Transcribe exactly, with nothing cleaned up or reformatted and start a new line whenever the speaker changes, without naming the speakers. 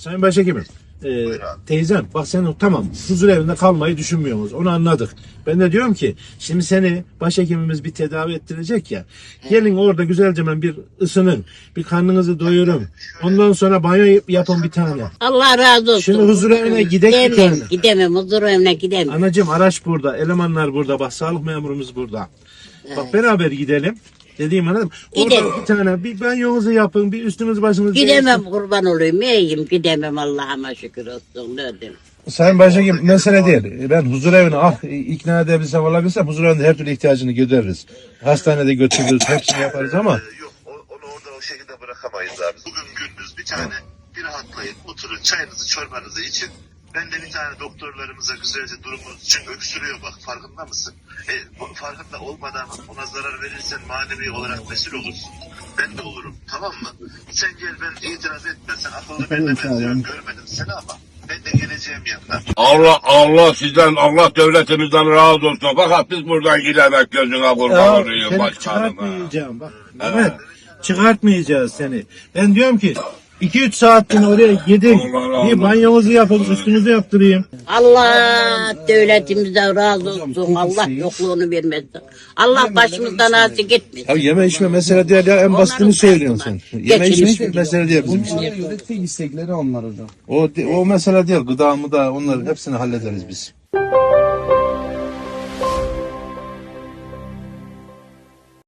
Sayın Başhekimim, e, teyzem bak sen tamam huzur evinde kalmayı düşünmüyoruz. Onu anladık. Ben de diyorum ki şimdi seni başhekimimiz bir tedavi ettirecek ya. Gelin orada güzelce bir ısının. Bir karnınızı doyurun. Ondan sonra banyo yapın bir tane.
Allah razı olsun.
Şimdi huzur evine gidek bir
Gidemem,
tane.
gidemem, huzur evine gidemem.
Anacığım araç burada. Elemanlar burada. Bak sağlık memurumuz burada. Bak beraber gidelim. Dediğim anladım. Orada
Gidelim.
bir tane bir banyonuzu yapın. Bir üstünüz başınızı
Gidemem, kurban olayım, iyiyim, gidemem, Allah'ıma şükür olsun, ne diyeyim.
Sayın Başhekim mesele değil. Ben huzur evine ah ikna edebilsem olabilsem huzur evinde her türlü ihtiyacını gideririz. Hastanede götürürüz, hepsini yaparız ama.
Yok o- onu orada o şekilde bırakamayız abi. Bugün gündüz bir tane bir rahatlayın, oturun, çayınızı çorbanızı için. Ben de bir tane doktorlarımıza güzelce durumunuz için öksürüyor bak, farkında mısın? E, bu- farkında olmadan ona zarar verirsen manevi olarak mesul olursun. Ben de olurum, tamam mı? Sen gel, ben itiraz etme, sen akıllı birine benziyorum, görmedim seni ama ben de geleceğim yanına.
Allah Allah sizden, Allah devletimizden razı olsun. Fakat biz buradan gidemek gözüne kurban olayım
seni
başkanım. ha.
çıkartmayacağım bak. Evet. Çıkartmayacağız seni. Ben diyorum ki iki üç saattir oraya gidin.
Allah razı
Bir
olsun.
banyonuzu yapın, üstünüzü yaptırayım.
Allah devletimizden razı olsun, Allah yokluğunu vermesin. Allah başımızdan asik etmesin.
Ya yeme içme mesele değil ya en basitini söylüyorsun sen. Yeme içme hiçbir mesele değil bizim için.
Onlara göre tek istekleri onlar hocam.
O, o mesele değil gıda mı da onların hepsini hallederiz biz.